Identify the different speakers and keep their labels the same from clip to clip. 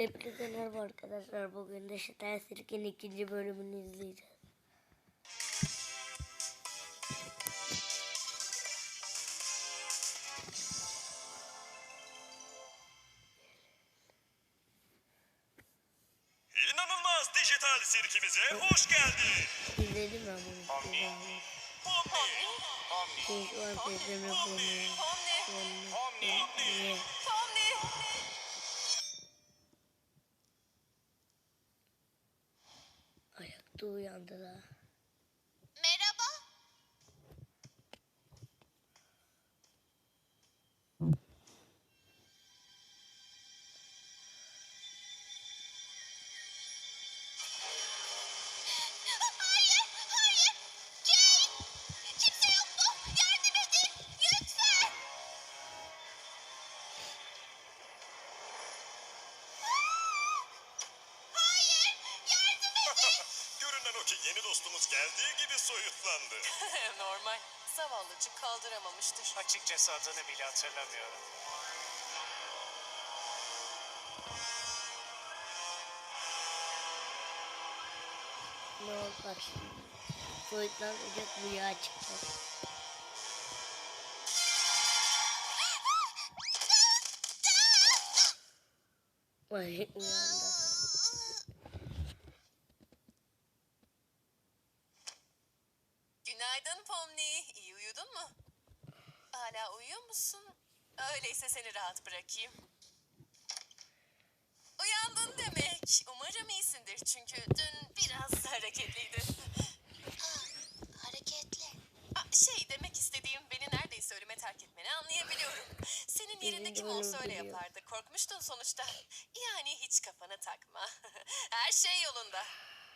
Speaker 1: Hepinize merhaba arkadaşlar. Bugün de Şeter Sirk'in 2. bölümünü izleyeceğiz.
Speaker 2: İnanılmaz dijital sirkimize hoş geldin.
Speaker 1: İzledim ben bunu.
Speaker 2: Pomni.
Speaker 1: Şey, şu an teyzemle bunu. Ayakta uyandılar.
Speaker 3: Merhaba. Hayır, hayır. Jane! Kimse yok mu? Yardım edin. Lütfen. Hayır, yardım edin.
Speaker 2: Görünen o ki yeni dostumuz geldiği gibi soyutlandı.
Speaker 4: Normal. Zavallıcık kaldıramamıştır.
Speaker 5: Açıkçası adını bile hatırlamıyorum.
Speaker 1: Ne oldu bak şimdi. Soyutlanacak bu yağ çıktı. Ay uyandı.
Speaker 4: Günaydın Pomni. İyi uyudun mu? Hala uyuyor musun? Öyleyse seni rahat bırakayım. Uyandın demek. Umarım iyisindir çünkü dün biraz hareketliydin.
Speaker 3: Hareketli.
Speaker 4: Demek istediğim beni neredeyse ölüme terk etmeni anlayabiliyorum. Senin yerinde kim olsa öyle yapardı. Korkmuştun sonuçta. Yani hiç kafana takma. Her şey yolunda.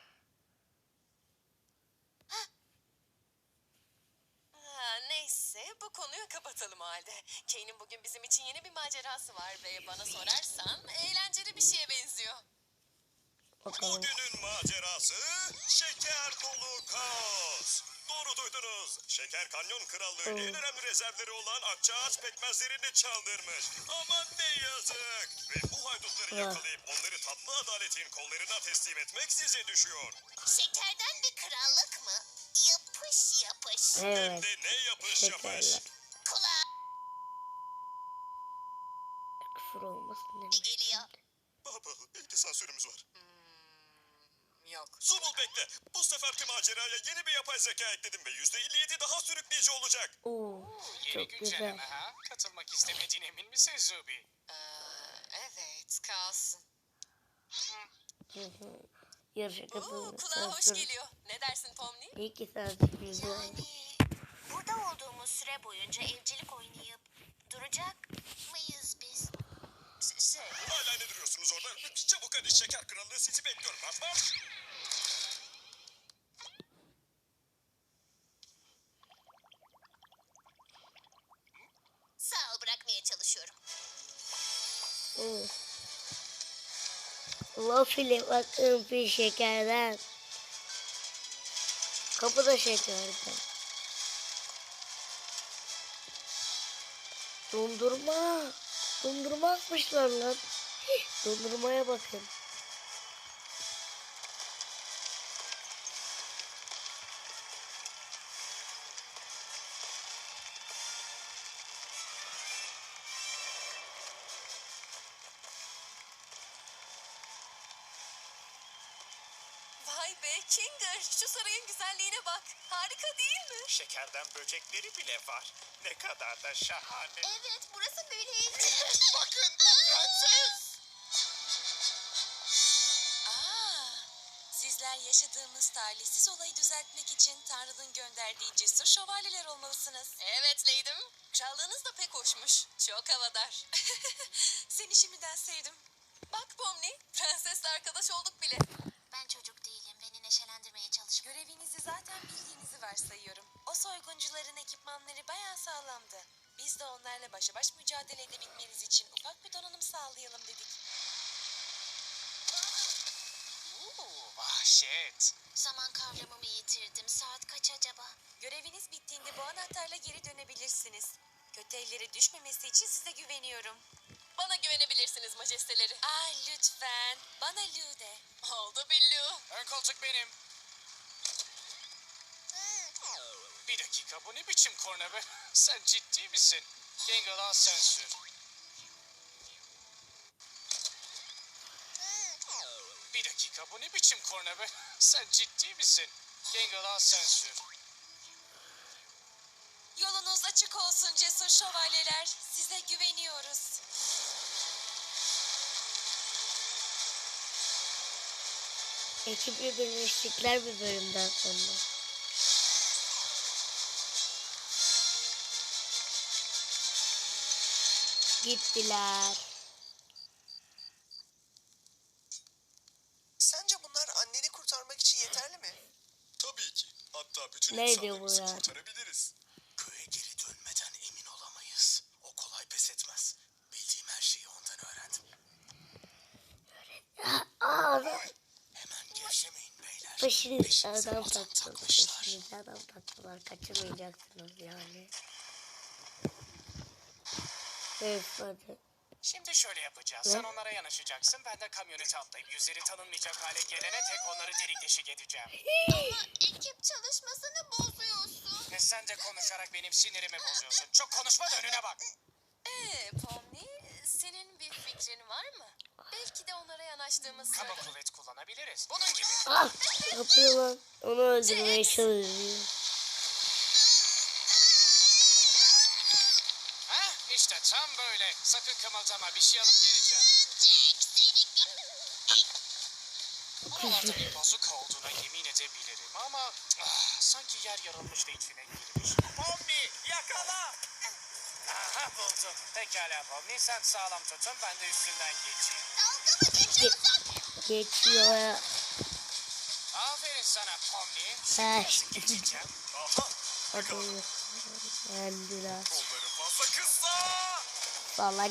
Speaker 4: Neyse bu konuyu kapatalım o halde. Kane'in bugün bizim için yeni bir macerası var ve bana sorarsan eğlenceli bir şeye benziyor.
Speaker 1: Bakalım.
Speaker 2: Bugünün macerası şeker dolu kaos. Doğru duydunuz. Şeker Kanyon Krallığı en önemli rezervleri olan akçaağaç pekmezlerini çaldırmış. Aman ne yazık. Ve bu haydutları yakalayıp onları tatlı adaletin kollarına teslim etmek size düşüyor.
Speaker 3: Şekerden bir krallık mı? Yapış yapış.
Speaker 2: Hem
Speaker 1: Evet.
Speaker 2: de ne yapış yapış.
Speaker 1: Şekerler.
Speaker 3: Kulağa
Speaker 1: Küfür olmasın demiş.
Speaker 3: geliyor.
Speaker 2: Baba, belki sansürümüz var.
Speaker 4: Yok.
Speaker 2: Zubul bekle. Bu seferki maceraya yeni bir yapay zeka ekledim ve %57 daha sürükleyici olacak.
Speaker 1: Oo,
Speaker 5: Yeni
Speaker 1: çok güzel.
Speaker 5: güncelleme ha? Katılmak istemediğine emin misin Zubi?
Speaker 4: Evet kalsın.
Speaker 1: Yarışa katılmak.
Speaker 4: Kulağa hoş geliyor. Ne dersin Pomni?
Speaker 1: İyi ki sensin güzel.
Speaker 3: Yani burada olduğumuz süre boyunca evcilik oynayıp duracak mıyız biz?
Speaker 2: Hala ne duruyorsunuz orada? Çabuk hadi şeker krallığı sizi bekliyor. Marş marş.
Speaker 3: Sağ ol, bırakmaya çalışıyorum.
Speaker 1: Waffle bakın bir şekerden. Kapıda şekerden. Dondurma. Dondurma atmışlar lan. Dondurmaya bakın.
Speaker 4: Vay be Kinger, şu sarayın güzelliğine bak. Harika değil mi?
Speaker 5: Şekerden böcekleri bile var. Ne kadar da şahane.
Speaker 3: Evet, burası böyle.
Speaker 5: Bakın bu prenses.
Speaker 4: Sizler yaşadığımız talihsiz olayı düzeltmek için Tanrı'nın gönderdiği cesur şövalyeler olmalısınız. Evet Leydim. Krallığınız da pek hoşmuş. Çok havadar. Seni şimdiden sevdim. Bak Pomni, prensesle arkadaş olduk bile.
Speaker 3: Ben çocuk değilim, beni neşelendirmeye çalışma.
Speaker 4: Görevinizi zaten bildiğinizi varsayıyorum. O soyguncuların ekipmanları bayağı sağlamdı. Biz de onlarla başa baş mücadele edebilmeniz için ufak bir donanım sağlayalım dedik.
Speaker 5: Vahşet.
Speaker 3: Zaman kavramımı yitirdim. Saat kaç acaba?
Speaker 4: Göreviniz bittiğinde bu anahtarla geri dönebilirsiniz. Kötü ellere düşmemesi için size güveniyorum. Bana güvenebilirsin. geçebilirsiniz majesteleri. Lütfen. Bana Lü de. Oldu Billu.
Speaker 5: Ön koltuk benim. Bir dakika, bu ne biçim korna be? Sen ciddi misin? Gangle, al sen sür. Bir dakika, bu ne biçim korna be? Sen ciddi misin? Gangle, al sen sür.
Speaker 4: Yolunuz açık olsun cesur şövalyeler. Size güveniyoruz.
Speaker 1: Ekiple birleştikler bir bölümden sonra. Gittiler.
Speaker 6: Sence bunlar anneni kurtarmak için yeterli mi?
Speaker 2: Tabii ki. Hatta bütün
Speaker 1: Ne diyor bu
Speaker 2: insanlarımızı
Speaker 1: ya?
Speaker 2: kurtarabiliriz. Köye geri dönmeden emin olamayız. O kolay pes etmez. Bildiğim her şeyi ondan öğrendim. Hemen gevşemeyin beyler.
Speaker 1: Peşinize
Speaker 2: Peşinize
Speaker 1: adam
Speaker 2: adam
Speaker 1: taktılar.
Speaker 2: takmışlar.
Speaker 1: Peşinize adam taktılar. Kaçırmayacaksınız yani. Evet hadi.
Speaker 5: Şimdi şöyle yapacağız.
Speaker 1: Ne?
Speaker 5: Sen onlara yanaşacaksın. Ben de kamyonete atlayıp yüzleri tanınmayacak hale gelene tek onları delik deşik edeceğim.
Speaker 3: Ekip çalışmasını bozuyorsun.
Speaker 5: Sen de konuşarak benim sinirimi bozuyorsun. Çok konuşma da önüne bak.
Speaker 4: Pomni, senin bir fikrin var mı? Belki de onlara yanaştığımız
Speaker 5: Kaba
Speaker 4: sırada.
Speaker 5: kuvvet kullanabiliriz. Bunun gibi.
Speaker 1: Ah! Ne yapıyor lan? Onu öldürmeye çalışıyor.
Speaker 5: İşte tam böyle. Sakın kımıldama. Bir şey alıp geleceğim. Buralarda bir bazuka olduğuna yemin edebilirim ama sanki yer yarılmış da içine girmiş. Pomni yakala! Aha buldum. Pekala Pomni, sen sağlam tutun, ben de üstünden geçeyim.
Speaker 1: Geçiyor ya.
Speaker 5: Aferin sana Pomni.
Speaker 1: Eh.
Speaker 5: Şimdi nasıl geçeceğim?
Speaker 2: Aha!
Speaker 1: Hadi. Yendiler.
Speaker 2: Onları fazla kısa!
Speaker 1: Salak.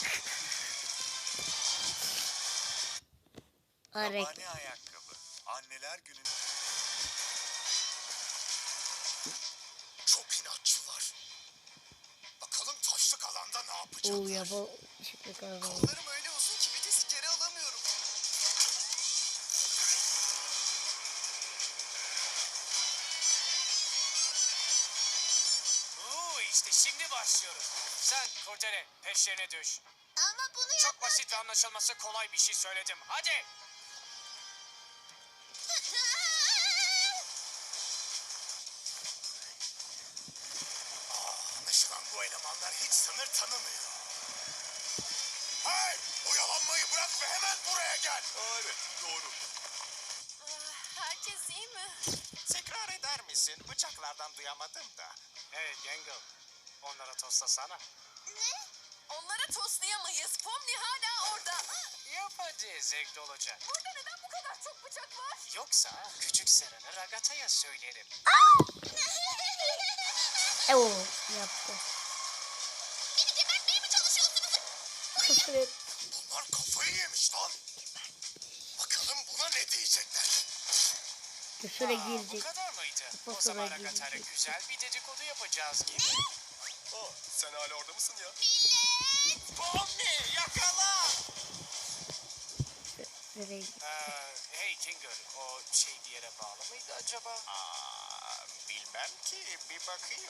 Speaker 1: Hareket.
Speaker 2: Yabani ayakkabı. Anneler günü. Çok inatçılar. Bakalım taşlık alanda ne yapacaklar?
Speaker 1: Oo yaba. Şimdi kazandı.
Speaker 6: Kollarım öyle uzun ki vites geri alamıyorum.
Speaker 5: İşte şimdi başlıyoruz. Sen Kurdele peşlerine düş.
Speaker 3: Ama bunu
Speaker 5: Çok basit ve anlaşılması kolay bir şey söyledim. Hadi.
Speaker 2: Anlaşılan bu elemanlar hiç sınır tanımıyor. Hey! Oyalanmayı bırak ve hemen buraya gel. Evet, doğru.
Speaker 4: Herkes iyi mi?
Speaker 5: Tekrar eder misin? Bıçaklardan duyamadım da. Hey Gangle, onlara toslasana.
Speaker 4: Ne? Onlara toslayamayız. Pomni hala orada.
Speaker 5: Yap hadi, zevkli olacak.
Speaker 4: Burada neden bu kadar çok bıçak var?
Speaker 5: Yoksa küçük Seren'i Ragata'ya söylerim.
Speaker 1: Oo yaptı.
Speaker 3: Beni gebertmeye mi çalışıyorsunuz?
Speaker 1: Küfür et.
Speaker 2: Bunlar kafayı yemiş lan. Bakalım buna ne diyecekler.
Speaker 1: Küfüre
Speaker 5: Bu
Speaker 1: girecek.
Speaker 5: kadar mıydı? O
Speaker 1: Kafasına
Speaker 5: zaman
Speaker 1: girecek.
Speaker 5: Ragata'yla güzel bir dedikodu yapacağız gibi.
Speaker 2: Sen hala orada mısın ya?
Speaker 5: Pomni yakala!
Speaker 1: Nereye?
Speaker 5: Hey Kinger, o şey bir yere bağlı mıydı acaba? Bilmem ki, bir bakayım.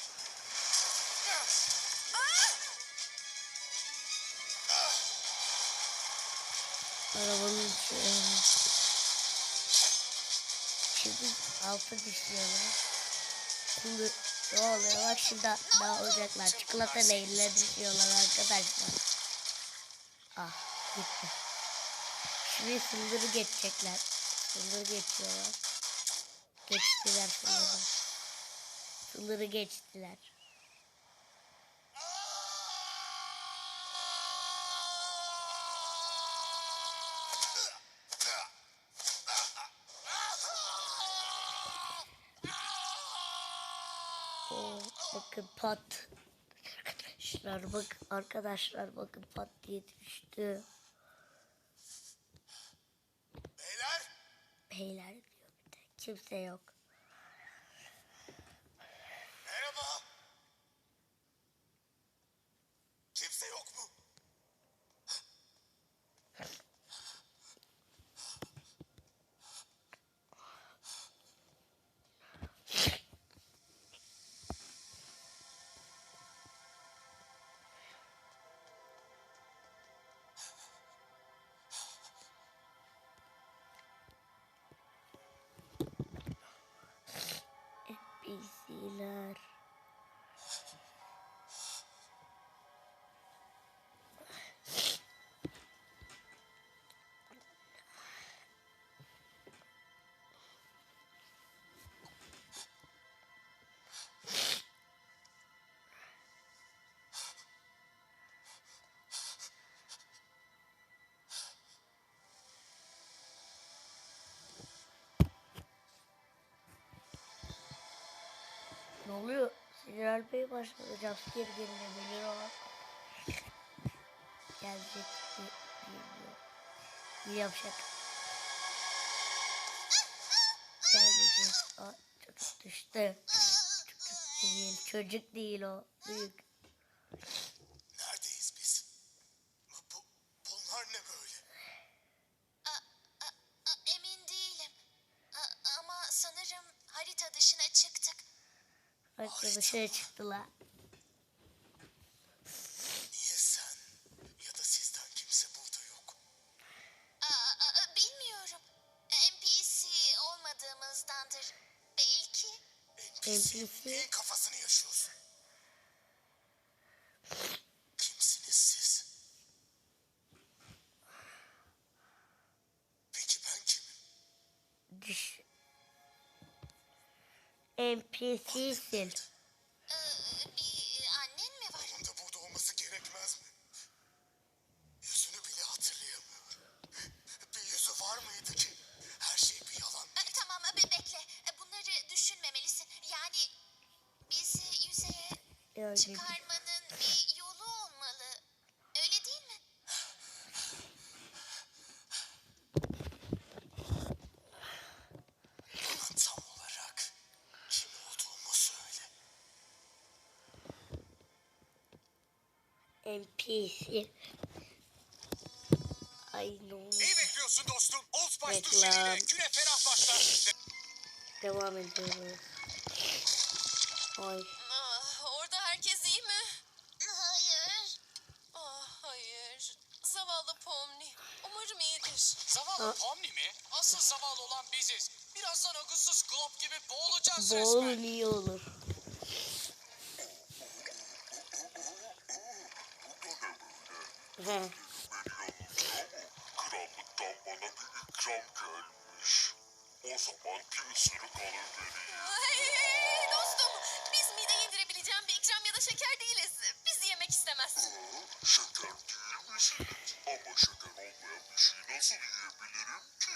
Speaker 1: Arabanın içi. Şimdi altı düşüyorlar. Şimdi ne oluyor? Bak şimdi ne olacaklar? Çikolata neyler düşüyorlar arkadaşlar. Ah gitti. Şimdi sınırı geçecekler. Sınırı geçiyorlar. Geçtiler sınırı. Sınırı geçtiler. Oo, bakın pat. Arkadaşlar bak arkadaşlar bakın pat diye düştü.
Speaker 2: Beyler!
Speaker 1: Beyler diyor bir de. Kimse yok.
Speaker 2: Merhaba. Kimse yok mu?
Speaker 1: Beyler. Ne oluyor? Sinyal Bey başladı. Jumpscare gelinebilir ama. Gelecek mi bilmiyorum. Bir yapacak. Gelmeyecek. Aa, çocuk düştü. Çocuk değil. Çocuk değil o. Büyük.
Speaker 6: Neredeyiz biz? Bunlar ne böyle?
Speaker 3: Emin değilim. Ama sanırım harita dışına çıktık.
Speaker 1: Bak dışarı çıktılar.
Speaker 6: Niye sen ya da sizden kimse burada yok?
Speaker 3: Bilmiyorum. NPC olmadığımızdandır. Belki.
Speaker 1: NPC.
Speaker 6: Neyin kafasını yaşıyorsun? Kimsiniz siz? Peki ben kimim?
Speaker 1: Düş. NPC'sin.
Speaker 3: Bir annen mi var?
Speaker 6: Onun da burada olması gerekmez mi? Yüzünü bile hatırlayamıyorum. Bir yüzü var mıydı ki? Her şey bir yalan.
Speaker 3: Tamam bekle. Bunları düşünmemelisin. Yani bizi yüzeye
Speaker 1: Öyle bir-
Speaker 3: çıkarmanın bir yolu olmalı. Öyle değil mi?
Speaker 6: Bana tam olarak kim olduğumu söyle.
Speaker 1: NPC. Ay ne oldu?
Speaker 5: Neyi bekliyorsun dostum? Old Spice
Speaker 1: Reklam.
Speaker 5: duşlarıyla güne ferah başlar.
Speaker 1: Devam ediyoruz. Ay.
Speaker 4: Orada herkes iyi mi?
Speaker 3: Hayır.
Speaker 4: Hayır. Zavallı Pomni. Umarım iyidir.
Speaker 5: Zavallı Pomni mi? Asıl zavallı olan biziz. Birazdan akılsız Glop gibi boğulacağız
Speaker 1: Bol
Speaker 5: resmen.
Speaker 1: iyi olur. He.
Speaker 2: Krallıktan bana bir ikram gelmiş. O zaman bir ısırık alır vereyim.
Speaker 4: Hey, dostum. Biz mideye indirebileceğim bir ikram ya da şeker değiliz. Bizi yemek istemezsin.
Speaker 2: Şeker değil misiniz? Ama şeker olmayan bir şeyi nasıl yiyebilirim ki?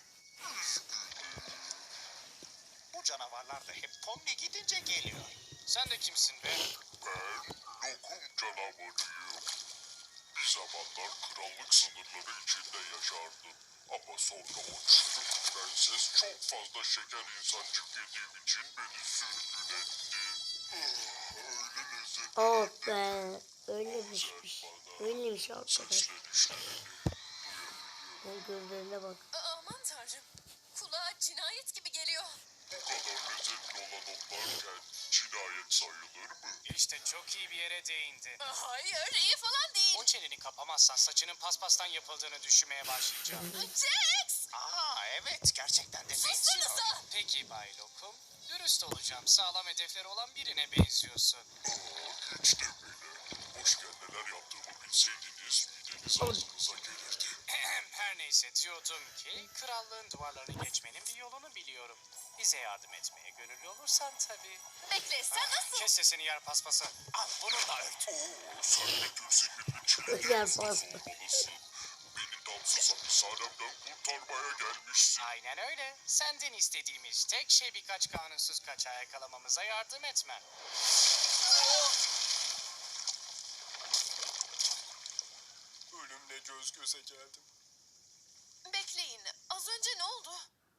Speaker 5: Bu canavarlar da hep Pomni gidince geliyor. Sen de kimsin be?
Speaker 2: Ben lokum canavarıyım. Bir zamanlar krallık sınırları içinde yaşardım. Ama sonra o çürük prenses çok fazla şeker insancık yediğim için beni sürgün etti. Öyle lezzetli
Speaker 1: Oh be. Öylemiş. Öyleymiş arkadaş.
Speaker 2: seslenişlerini
Speaker 1: Ben gözlerine bak.
Speaker 4: Aman tanrım. Kulağa cinayet gibi geliyor.
Speaker 2: bu kadar lezzetli olan onlarken cinayet sayılır mı?
Speaker 5: İşte çok iyi bir yere değindi.
Speaker 4: Hayır, iyi falan değil.
Speaker 5: O çeneni kapamazsan saçının paspastan yapıldığını düşünmeye başlayacağım.
Speaker 4: Jax!
Speaker 5: Evet, gerçekten de benziyor.
Speaker 4: Sussanıza!
Speaker 5: Peki Bay Lokum, dürüst olacağım. Sağlam hedefleri olan birine benziyorsun.
Speaker 2: Hiç de bile. Hoşken neler yaptığımı bilseydiniz mideniz ağzınıza gelirdi.
Speaker 5: Her neyse diyordum ki krallığın duvarlarını geçmenin bir yolunu biliyorum. Bize yardım etmeye gönüllü olursan tabii.
Speaker 4: Bekle, sen nasıl?
Speaker 5: Kes sesini yer paspası. Al bunu da ört.
Speaker 2: Oo, sen de gül sihirli çilek
Speaker 1: Yer
Speaker 2: yapsız
Speaker 1: pasta.
Speaker 2: olmalısın. Beni damsız hapishanemden kurtarmaya gelmişsin.
Speaker 5: Aynen öyle. Senden istediğimiz tek şey birkaç kanunsuz kaçağı yakalamamıza yardım etmen.
Speaker 6: Ölümle göz göze geldim.
Speaker 4: Bekleyin, az önce ne oldu?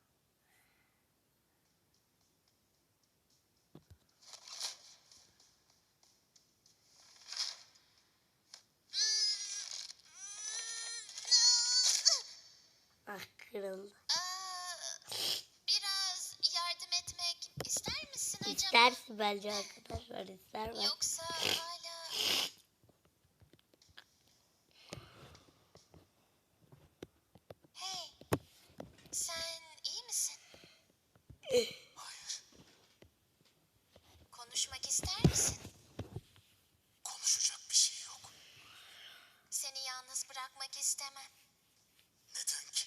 Speaker 1: Ah kırıldı.
Speaker 3: Biraz yardım etmek ister misin acaba?
Speaker 1: İstersin bence arkadaşlar. İster mi?
Speaker 3: Yoksa hala... Hey, sen iyi misin?
Speaker 6: Hayır.
Speaker 3: Seni yalnız bırakmak istemem.
Speaker 6: Neden ki?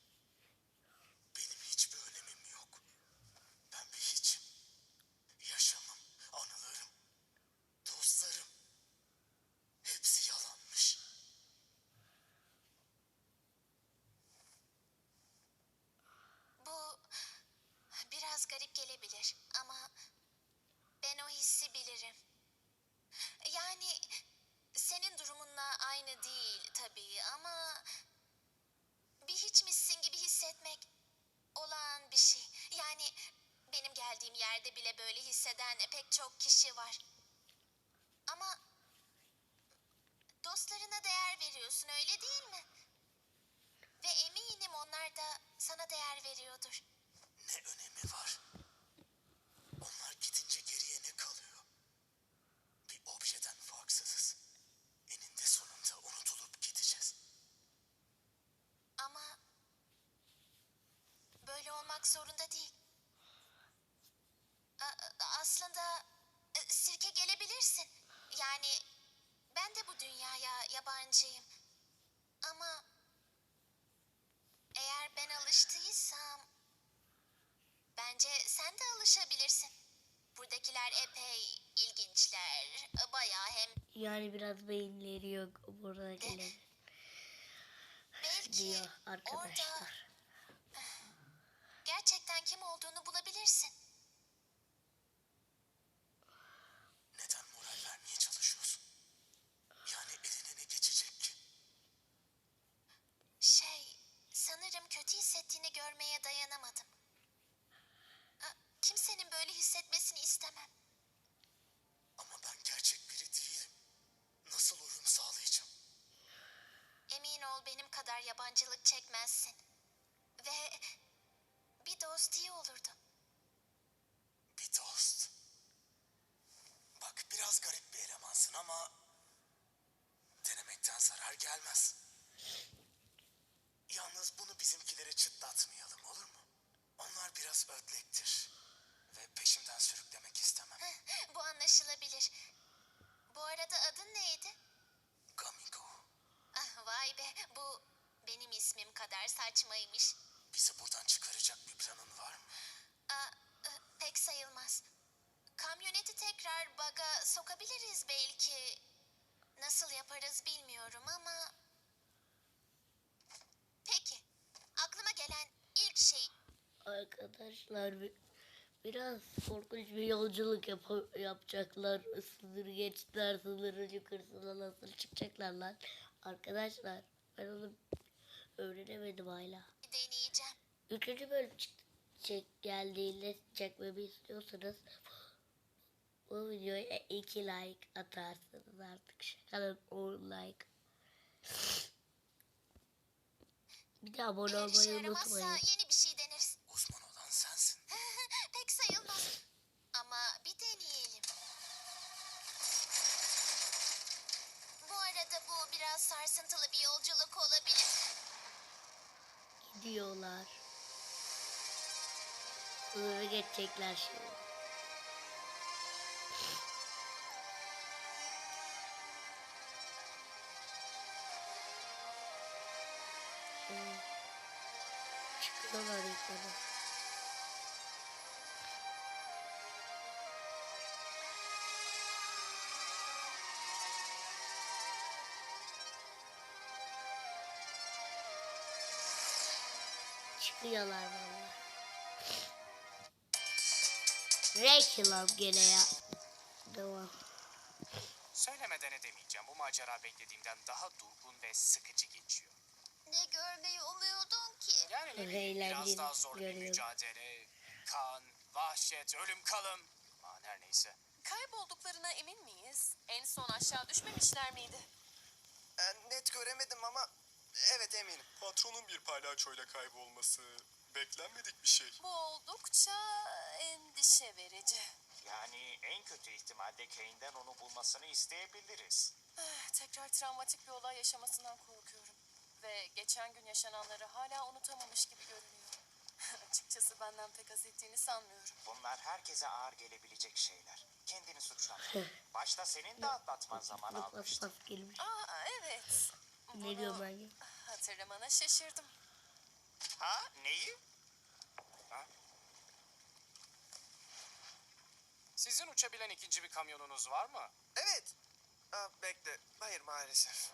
Speaker 6: Benim hiçbir önemim yok. Ben bir hiçim. Yaşamım, anılarım, dostlarım. Hepsi yalanmış.
Speaker 3: Bu biraz garip gelebilir ama ben o hissi bilirim. Yani senin durumunla aynı değil tabii ama bir hiçmişsin gibi hissetmek olağan bir şey. Yani benim geldiğim yerde bile böyle hisseden pek çok kişi var. Ama dostlarına değer veriyorsun öyle değil mi? Ve eminim onlar da sana değer veriyordur.
Speaker 6: Ne önemi var? Onlar gidince geriye ne kalıyor? Bir objeden farksızız. Eninde sonunda unutulup gideceğiz.
Speaker 3: Ama böyle olmak zorunda değil. Aslında sirke gelebilirsin. Yani ben de bu dünyaya yabancıyım. Ama eğer ben alıştıysam bence sen de alışabilirsin. Buradakiler epey ilginçler. Bayağı hem
Speaker 1: Yani biraz beyinleri yok buradakiler
Speaker 3: belki
Speaker 1: diyor
Speaker 3: orada
Speaker 1: arkadaşlar.
Speaker 3: gerçekten kim olduğunu bulabilirsin.
Speaker 6: Neden moral vermeye çalışıyorsun? Yani eline ne geçecek ki?
Speaker 3: Sanırım kötü hissettiğini görmeye dayanamadım. Kimsenin böyle hissetmesini istemem.
Speaker 6: Ama ben gerçek biri değilim. Nasıl uyum sağlayacağım?
Speaker 3: Emin ol benim kadar yabancılık çekmezsin. Ve bir dost iyi olurdu.
Speaker 6: Bir dost. Bak biraz garip bir elemansın ama denemekten zarar gelmez. Yalnız bunu bizimkilere çıtlatmayalım olur mu? Onlar biraz ödlektir ve peşimden sürüklemek istemem.
Speaker 3: Bu anlaşılabilir. Bu arada adın neydi?
Speaker 6: Gamigo,
Speaker 3: Vay be bu benim ismim kadar saçmaymış.
Speaker 6: bizi buradan çıkaracak bir planın var mı?
Speaker 3: Aa, pek sayılmaz. Kamyoneti tekrar baga sokabiliriz belki. Nasıl yaparız bilmiyorum ama... Peki. Aklıma gelen ilk şey...
Speaker 1: Arkadaşlar biraz korkunç bir yolculuk yapacaklar. Sınır geçtiler, sınırın yukarısına nasıl çıkacaklar lan? Arkadaşlar ben onu öğrenemedim hala.
Speaker 3: deneyeceğim.
Speaker 1: Üçüncü bölüm geldiğinde çekmemi istiyorsanız bu videoya 2 like atarsınız artık. Şakalın 10 like. Bir de abone
Speaker 3: Eğer işe
Speaker 1: olmayı
Speaker 3: yaramazsa
Speaker 1: unutmayın.
Speaker 3: yeni bir şey deneriz.
Speaker 6: Uzman olan sensin.
Speaker 3: Pek sayılmaz. Ama bir deneyelim. Bu arada bu biraz sarsıntılı bir yolculuk olabilir.
Speaker 1: Gidiyorlar. Sınırı geçecekler şimdi. Çıkıyorlar yukarı. Çıkıyorlar valla. Reklam gene ya. Devam.
Speaker 5: Söylemeden edemeyeceğim. Bu macera beklediğimden daha durgun ve sıkıcı geçiyor.
Speaker 3: Ne görmeyi umuyordun ki?
Speaker 5: Yani ne bileyim, biraz
Speaker 1: Eğlenceli
Speaker 5: daha zor bir
Speaker 1: görüyorum.
Speaker 5: mücadele, kan, vahşet, ölüm kalım. Aman her neyse.
Speaker 4: Kaybolduklarına emin miyiz? En son aşağı düşmemişler miydi?
Speaker 6: Net göremedim ama evet eminim.
Speaker 2: Patronun bir palyaçoyla kaybolması beklenmedik bir şey.
Speaker 4: Bu oldukça endişe verici.
Speaker 5: Yani en kötü ihtimalle Kane'den onu bulmasını isteyebiliriz.
Speaker 4: Tekrar travmatik bir olay yaşamasından korkuyorum. Ve geçen gün yaşananları hala unutamamış gibi görünüyor. Açıkçası benden pek haz ettiğini sanmıyorum.
Speaker 5: Bunlar herkese ağır gelebilecek şeyler. kendini suçlama. Başta senin de atlatman zaman
Speaker 1: Bas
Speaker 5: almıştı.
Speaker 1: bas gelmiş.
Speaker 4: Aa evet.
Speaker 1: Ne diyor ben ya?
Speaker 4: Hatırlamana şaşırdım.
Speaker 5: Ha neyi? Ha? Sizin uçabilen ikinci bir kamyonunuz var mı?
Speaker 6: Evet. Bekle. Hayır maalesef.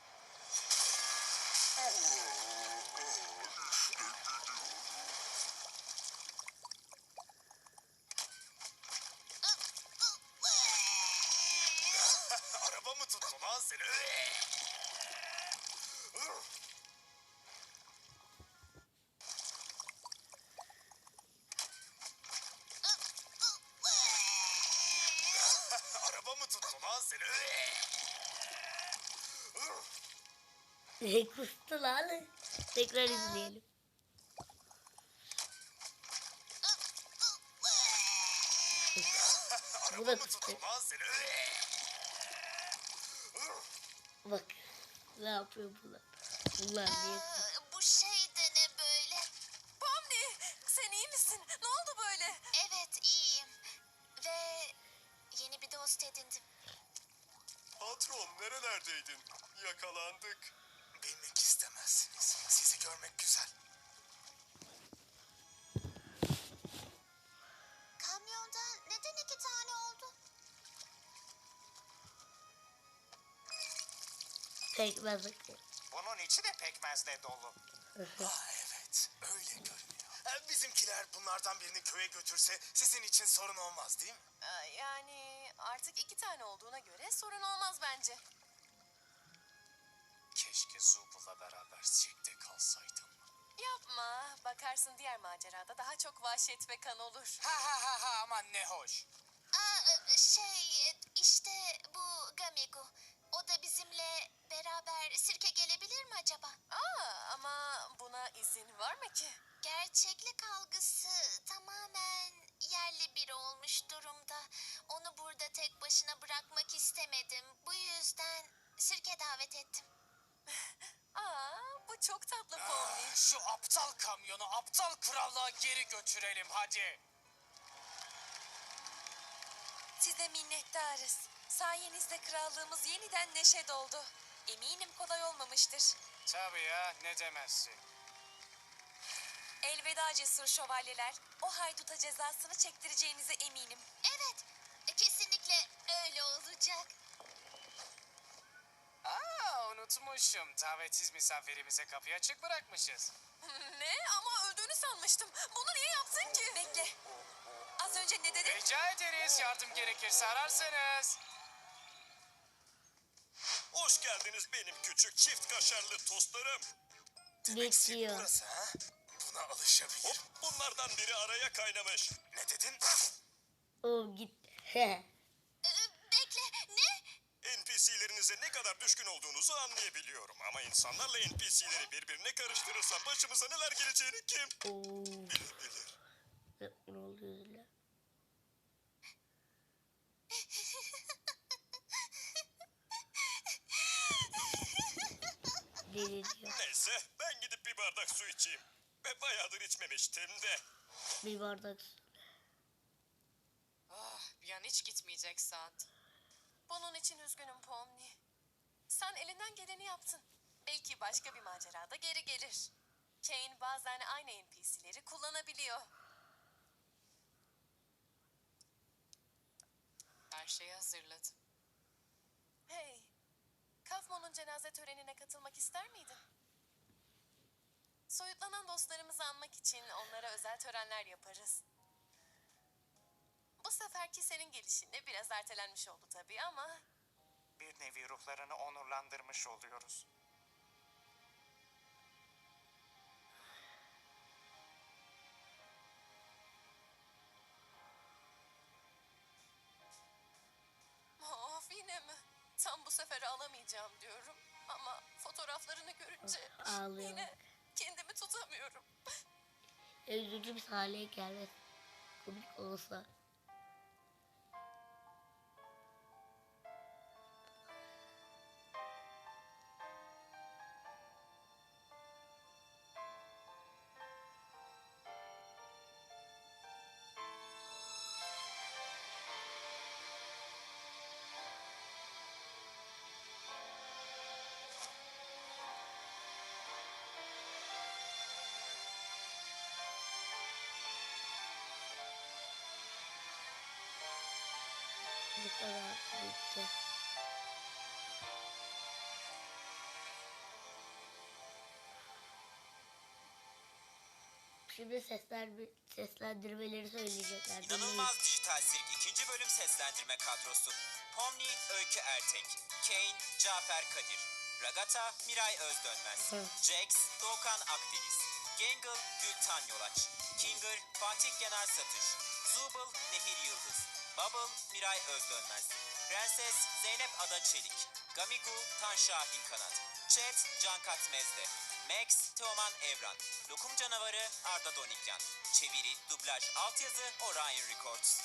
Speaker 6: Araba mı tuttu lan seni? Araba mı tuttu lan seni?
Speaker 1: Kustu lan. Tekrar izleyelim. Bu da
Speaker 6: Araba mı
Speaker 1: kustu.
Speaker 6: tuttu lan seni?
Speaker 1: Bak. Ne yapıyor bunlar? Bunlar niye?
Speaker 3: Bu şey de ne böyle?
Speaker 4: Pomni sen iyi misin? Ne oldu böyle?
Speaker 3: Evet iyiyim. Ve yeni bir dost edindim.
Speaker 6: Patron nerelerdeydin? Yakalandık. Bilmek istemezsiniz. Sizi görmek güzel.
Speaker 3: Kamyonda neden 2 tane oldu?
Speaker 1: Pekmez.
Speaker 5: Bunun içi de pekmezle dolu.
Speaker 6: Evet, öyle görünüyor. Bizimkiler bunlardan birini köye götürse sizin için sorun olmaz değil mi?
Speaker 4: Yani artık 2 tane olduğuna göre sorun olmaz bence.
Speaker 5: Keşke Zubal'la beraber sirkte kalsaydım.
Speaker 4: Yapma. Bakarsın diğer macerada daha çok vahşet ve kan olur.
Speaker 5: Ha aman ne hoş.
Speaker 3: İşte bu Gamigo. O da bizimle beraber sirke gelebilir mi acaba?
Speaker 4: Ama buna izin var mı ki?
Speaker 3: Gerçeklik algısı tamamen yerli biri olmuş durumda. Onu burada tek başına bırakmak istemedim. Bu yüzden sirke davet ettim.
Speaker 4: Bu çok tatlı Pomni.
Speaker 5: Şu aptal kamyonu aptal krallığa geri götürelim hadi.
Speaker 4: Size minnettarız. Sayenizde krallığımız yeniden neşe doldu. Eminim kolay olmamıştır.
Speaker 5: Tabii ya ne demezsin.
Speaker 4: Elveda cesur şövalyeler. O hayduta cezasını çektireceğinize eminim.
Speaker 3: Evet, kesinlikle öyle olacak.
Speaker 5: Unutmuşum. Davetsiz misafirimize kapıyı açık bırakmışız.
Speaker 4: Ne? Ama öldüğünü sanmıştım. Bunu niye yaptın ki? Bekle. Az önce ne dedin?
Speaker 5: Rica ederiz. Yardım gerekirse ararsınız.
Speaker 2: Hoş geldiniz benim küçük çift kaşarlı tostlarım.
Speaker 6: Demek sirk
Speaker 1: Geçiyor.
Speaker 6: burası ha? Buna alışabilirim.
Speaker 2: Hop bunlardan biri araya kaynamış.
Speaker 6: Ne dedin?
Speaker 1: O git.
Speaker 3: Bekle, ne?
Speaker 2: NPC'lerinize ne kadar düşkün olduğunuzu anlayabiliyorum. Ama insanlarla NPC'leri birbirine karıştırırsa başımıza neler geleceğini kim
Speaker 1: Oo.
Speaker 2: bilir.
Speaker 1: Ne oluyor öyle? Deli diyor.
Speaker 2: Neyse ben gidip bir bardak su içeyim. Ve bayağıdır içmemiştim de.
Speaker 1: Bir bardak su.
Speaker 4: Bir an hiç gitmeyecek saat. Bunun için üzgünüm Pomni. Sen elinden geleni yaptın. Belki başka bir macerada geri gelir. Kane bazen aynı NPC'leri kullanabiliyor. Her şeyi hazırladım. Hey, Kafmon'un cenaze törenine katılmak ister miydin? Soyutlanan dostlarımızı anmak için onlara özel törenler yaparız. Bu seferki senin gelişinle biraz ertelenmiş oldu tabii ama...
Speaker 5: Bir nevi ruhlarını onurlandırmış oluyoruz.
Speaker 4: Of yine mi? Tam bu sefer alamayacağım diyorum. Ama fotoğraflarını görünce
Speaker 1: Ağlıyor.
Speaker 4: yine kendimi tutamıyorum.
Speaker 1: Üzücü bir hale gelmez. Komik olsa. Bu kadar bitti. Şimdi seslendirmeleri söyleyecekler.
Speaker 7: İnanılmaz Dijital Sirk 2. bölüm seslendirme kadrosu. Pomni Öykü Ertek, Kane Cafer Kadir, Ragata Miray Özdönmez,
Speaker 1: Hı.
Speaker 7: Jax Doğukan Akdeniz, Gangle Gültan Yolaç, Kinger Fatih Genel Satış, Zubul Nehir Yıldız, Bubble Miray Özdönmez, Prenses Zeynep Ada Çelik, Gamigu Tan Şahin Kanat, Chat Cankat Mezde, Max Teoman Evran, Lokum Canavarı Arda Donikyan, çeviri, dublaj, altyazı Orion Records.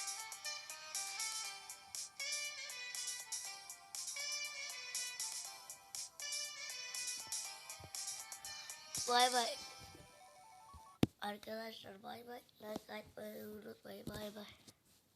Speaker 1: Bay bay. Arkadaşlar bay bay. Like atmayı unutmayın. Bay bay.